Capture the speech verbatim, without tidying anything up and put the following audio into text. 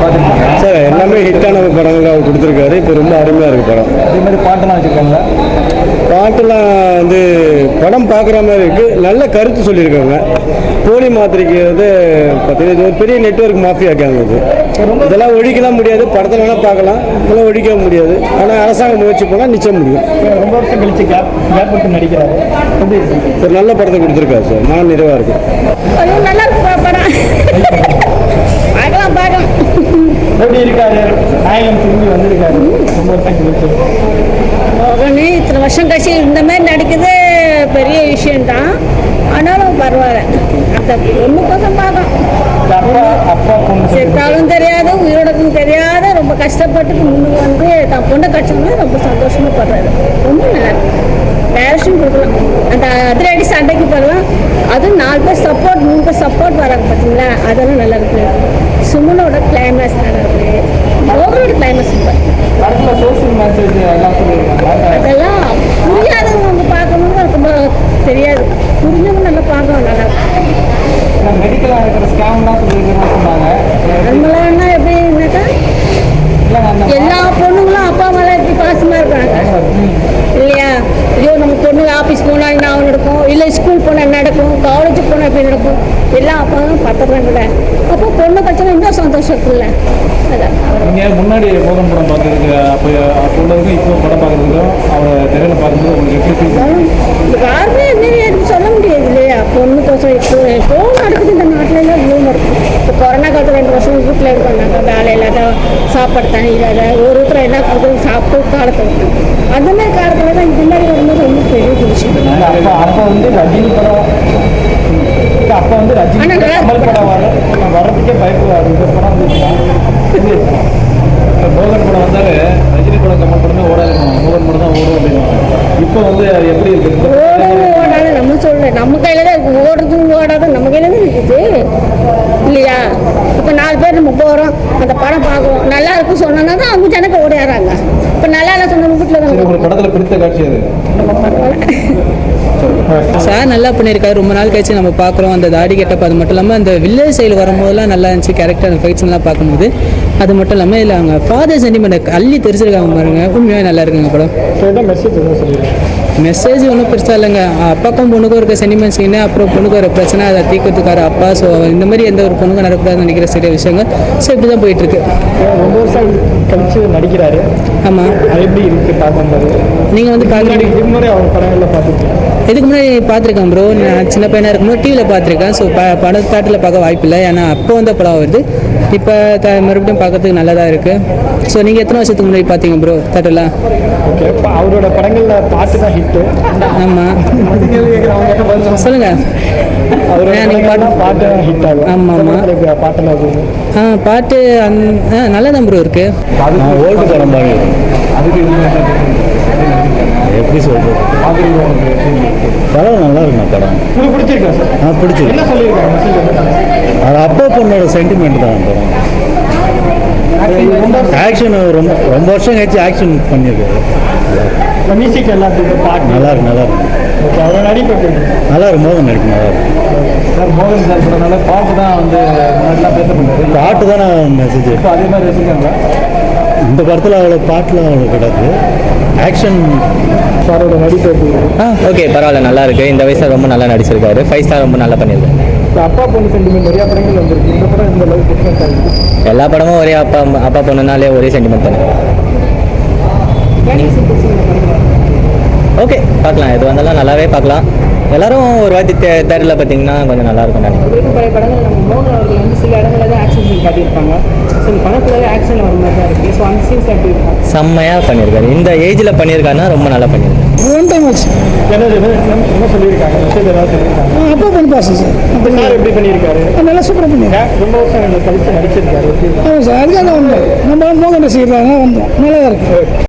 பார்த்துருக்கீங்க சார்? எல்லாமே ஹிட்டான படங்கள் அவர் கொடுத்துருக்காரு. இப்போ ரொம்ப அருமையாக இருக்குது படம். அதே மாதிரி பாட்டெல்லாம் வச்சுருக்காங்களா? பாட்டெல்லாம் வந்து படம் பார்க்குற மாதிரி இருக்குது. நல்ல கருத்து சொல்லியிருக்காங்க. போலி மாத்திரைக்கு வந்து பார்த்தீங்கன்னா இது ஒரு பெரிய நெட்வொர்க் மாஃபியா இருக்காங்க. இது இதெல்லாம் ஒழிக்கலாம் முடியாது. படத்தில் வேணால் பார்க்கலாம், இதெல்லாம் ஒழிக்க முடியாது. ஆனால் அரசாங்கம் முயற்சி பண்ணால் நிச்சயம் முடியும். ரொம்ப வருஷம் கழிச்சு கேப் கேப் விட்டு நடிக்கிறாரு. ஒரு நல்ல படத்தை கொடுத்துருக்காரு சார். மன நிறைவாக இருக்குது. நல்லா இருக்கு படம். பார்க்கலாம் பார்க்கலாம். எப்படி இருக்காரு நாயகன் திரும்பி வந்திருக்காரு ரொம்ப வருஷம் கழிச்சு? ஒன்று இத்தனை வருஷம் கழிச்சு இந்த மாதிரி நடிக்கிறது பெரிய விஷயம்தான். ஆனாலும் பரவாயில்ல. அந்த பொண்ணு கோசம் பார்க்கலாம். அப்பா அப்பா பொண்ணு செத்தாலும் தெரியாது, உயிரோடக்கும் தெரியாது. ரொம்ப கஷ்டப்பட்டு முன்னுக்கு வந்து தான் பொண்ணை கட்சோம்னா ரொம்ப சந்தோஷமா படுறாரு. ரொம்ப நல்லா இருக்கு. டேரக்ஷன் கொடுக்கலாம். அந்த அதிரடி சண்டைக்கு போடலாம். அதுவும் நாலு பேர் சப்போர்ட், மூணு பேர் சப்போர்ட் வராங்க பார்த்தீங்களா? அதெல்லாம் நல்லா இருக்கு. சுமனோட கிளைமேக்ஸ் நல்லா இருக்கு. ஓவரோட கிளைமேக்ஸ் சூப்பர். படத்தில் சோசியல் மெசேஜ் எல்லாம் சொல்லியிருக்காங்க. அதெல்லாம் புரியாதவங்க பார்க்கணும்னு ரொம்ப தெரியாது. புரிஞ்சவங்க நல்லா பார்க்கணும். நல்லா இருக்கும். மெடிக்கலாக இருக்கிற ஸ்கேம்லாம் சொல்லியிருக்கேன்னு சொன்னாங்க. நம்மளாம் எப்படின்னாக்கா எல்லா பொண்ணுங்களும் அப்பா அம்மாலாம் எப்படி பாசமாக இருக்காங்க இல்லையா? ஐயோ நம்ம பொண்ணு ஆஃபீஸ் போனால் என்ன நடக்கும், இல்லை ஸ்கூல் போனால் என்ன நடக்கும், காலேஜுக்கு போனால் எப்படி நடக்கும், எல்லா அப்பாவும் பார்த்துடுறாங்கல்ல. அப்போ பொண்ணு கட்சியில் இன்னும் சந்தோஷம் இருக்குல்ல. அதான் நீங்கள் முன்னாடி மோகன் படம் பார்க்குறதுக்கு அப்போ அப்போதுக்கும் இப்போ படம் பார்க்குறதுக்கும் அவரை திரையில் பார்க்கும்போது உங்களுக்கு எப்படி ஃபீல்? யாருமே என்ன எதுவும் சொல்ல முடியாது இல்லையா? பொண்ணு கோசம் இப்போ எப்போ நடக்குது இந்த நாட்டில் எல்லாம் இவ்வளோ நடக்கும். இப்போ கொரோனா காலத்தில் ரெண்டு வருஷம் வீட்டில் இருக்காங்க. வேலை இல்லாத, சாப்பாடு தண்ணி இல்லாத, ஒரு ஒருத்தர் என்ன கொடுத்து சாப்பிட்டு காலத்தை விட்டாங்க. அந்த மாதிரி காலத்தில் தான் இந்த மாதிரி வரும்போது ரொம்ப பெரிய விஷயம். அப்போ அப்போ வந்து ரஜினி படம் அப்போ வந்து ரஜினி கமல் படம் வர வர்றதுக்கே பயப்படுவார். இந்த படம் வந்து மோகன் படம் வந்தாலே ரஜினி படம் கமல் படமே ஓடாது, மோகன் படம் தான் ஓடும் அப்படின்னு. இப்போ வந்து எப்படி இருக்குது? ஓடாது ஓடாது நம்ம சொல்கிறேன். நம்ம கையில் தான் இருக்குது. ஓடுறதும் ஓடாது நம்ம கையில் தான் இருக்குது இல்லையா? இப்போ நாலு பேர் நம்ம போகிறோம், அந்த படம் பார்க்குறோம், நல்லா இருக்கும் சொன்னா தான் அவங்க ஜனக்கு ஓடியாடுறாங்க. இப்போ நல்லா இல்லை சொன்ன வீட்டில் தான். உங்களுக்கு படத்தில் பிடித்த காட்சி அது? சார் நல்லா பண்ணியிருக்காரு. ரொம்ப நாள் கழிச்சு நம்ம பார்க்குறோம் அந்த தாடி கெட்டப்ப. அது மட்டும் இல்லாமல் அந்த வில்லேஜ் சைடு வரும்போதெல்லாம் நல்லா இருந்துச்சு கேரக்டர். அந்த ஃபைட்ஸ்லாம் பார்க்கும்போது அது மட்டும் இல்லாமல் இல்லை அவங்க ஃபாதர் சென்டிமெண்ட் அள்ளி தெரிஞ்சிருக்காங்க பாருங்க. உண்மையாக நல்லா இருக்குங்க படம். மெசேஜ் என்ன சொல்லிடுறேன்? மெசேஜ் ஒன்றும் பெருசாக இல்லைங்க. அப்பாக்கும் பொண்ணுக்கும் இருக்க சென்டிமெண்ட் சீனு, அப்புறம் பொண்ணுக்கு ஒரு பிரச்சனை, அதை தீர்க்கறதுக்கார அப்பா. ஸோ இந்த மாதிரி எந்த ஒரு பொண்ணுக்கும் நடக்கூடாதுன்னு நினைக்கிற சில விஷயங்கள். ஸோ இப்படி தான் போயிட்டுருக்கு. ரொம்ப வருஷம் கழிச்சு நடிக்கிறாரு. ஆமாம். அது எப்படி இருக்குது பார்க்கும்போது? நீங்கள் வந்து பார்க்குறீங்க. இதுக்கு முன்னாடி அவங்க படங்களில் பார்த்துருக்கீங்க? இதுக்கு முன்னாடி பார்த்துருக்கேன் ப்ரோ. நான் சின்ன பையனாக இருக்கும்போது டிவியில் பார்த்துருக்கேன். ஸோ ப படம் தேட்டரில் பார்க்க வாய்ப்பு இல்லை. ஏன்னா அப்போ வந்த படம் வருது. இப்போ த மறுபடியும் பார்க்கறதுக்கு நல்லதாக இருக்குது. ஸோ நீங்கள் எத்தனை வருஷத்துக்கு முன்னாடி பார்த்தீங்க ப்ரோ தேட்டரில்? ஓகே. இப்போ அவரோட படங்களில் பாட்டு தான் ஹிட்டு. ஆமாம் சொல்லுங்கள். அவரோட நீங்கள் பாட்டு பாட்டு தான் ஹிட் ஆகும். ஆமாம் ஆமாம். பாட்டெல்லாம் இருக்குது. ஆ பாட்டு அந் ஆ நல்லா தான் ப்ரோ இருக்குது. ஓல்டு படம் பாருங்க. அதுக்கு எப்படி சொல்கிறது? படம் நல்லா இருக்குண்ணா படம். உங்களுக்கு பிடிச்சிருக்கா சார்? ஆ பிடிச்சிருக்கு. என்ன சொல்லியிருக்காங்க? அது அப்பா பொண்ணோட சென்டிமெண்ட் தான் படம். ஆக்ஷன் ரொம்ப ரொம்ப வருஷம் கழிச்சு ஆக்ஷன் பண்ணியிருக்காரு. மியூசிக் எல்லாத்துக்கும் பாட்டு நல்லா இருக்கு நல்லா இருக்கு. ஓகே. அவரோட நடிப்பு நல்லா இருக்கு. மோகன் நடிப்பு நல்லா இருக்கு சார். மோகன் சார் படனால பாட்டு தான் வந்து முன்னாடிலாம் பேசப்படுது. பாட்டு தானே மெசேஜ். இப்போ அதே மாதிரி வச்சுருக்காங்க. இந்த படத்தில் அவ்வளோ பாட்டில் அவ்வளோ கிடையாது. ஆக்ஷன் சாரோட நடிப்பு எப்படி? ஆ ஓகே பரவாயில்ல நல்லா இருக்குது. இந்த வயசில் ரொம்ப நல்லா நடிச்சிருக்காரு. ஃபைவ் ஸ்டார் ரொம்ப நல்லா பண்ணியிருக்காரு. இப்போ அப்பா பொண்ணு சென்டிமெண்ட் நிறையா படங்கள் வந்துருக்கு. இந்த படம் இந்த அளவுக்கு டிஃப்ரெண்ட்டாக இருக்குது. எல்லா படமும் ஒரே அப்பா அப்பா பொண்ணுனாலே ஒரே சென்டிமெண்ட் தானே. ஓகே பார்க்கலாம். எது வந்தாலும் நல்லாவே பார்க்கலாம். எல்லாரும் ஒரு வாட்டி தே தேட்டரில் பார்த்தீங்கன்னா கொஞ்சம் நல்லாயிருக்கும் நினைக்கிறேன். பழைய படங்கள் நம்ம மோகன் அவர்கள் வந்து சில இடங்களில் தான் ஆக்ஷன் சீன் காட்டியிருப்பாங்க. ஸோ இந்த படத்தில் ஆக்ஷன் வர மாதிரி தான் இருக்குது. ஸோ அந்த சீன்ஸ் எப்படி இருக்கும்? செம்மையாக பண்ணியிருக்காரு. இந்த ஏஜில் பண்ணியிருக்காருன்னா ரொம்ப நல்லா பண்ணியிருக்காரு. ஒன் டைம் ஆச்சு. என்ன என்ன சொல்லியிருக்காங்க? மெசேஜ் ஏதாவது சொல்லியிருக்காங்க? அப்போ பண்ணி பாசம் சார். இப்போ சார் எப்படி பண்ணியிருக்காரு? நல்லா சூப்பராக பண்ணியிருக்காரு. ரொம்ப வருஷம் கழிச்சு நடிச்சிருக்காரு. ஆமாம் சார். அதுக்காக தான் வந்தோம். நம்ம மோகன் ரசிகர்களாக தான் வந்தோம். நல்லா தான் இருக்குது.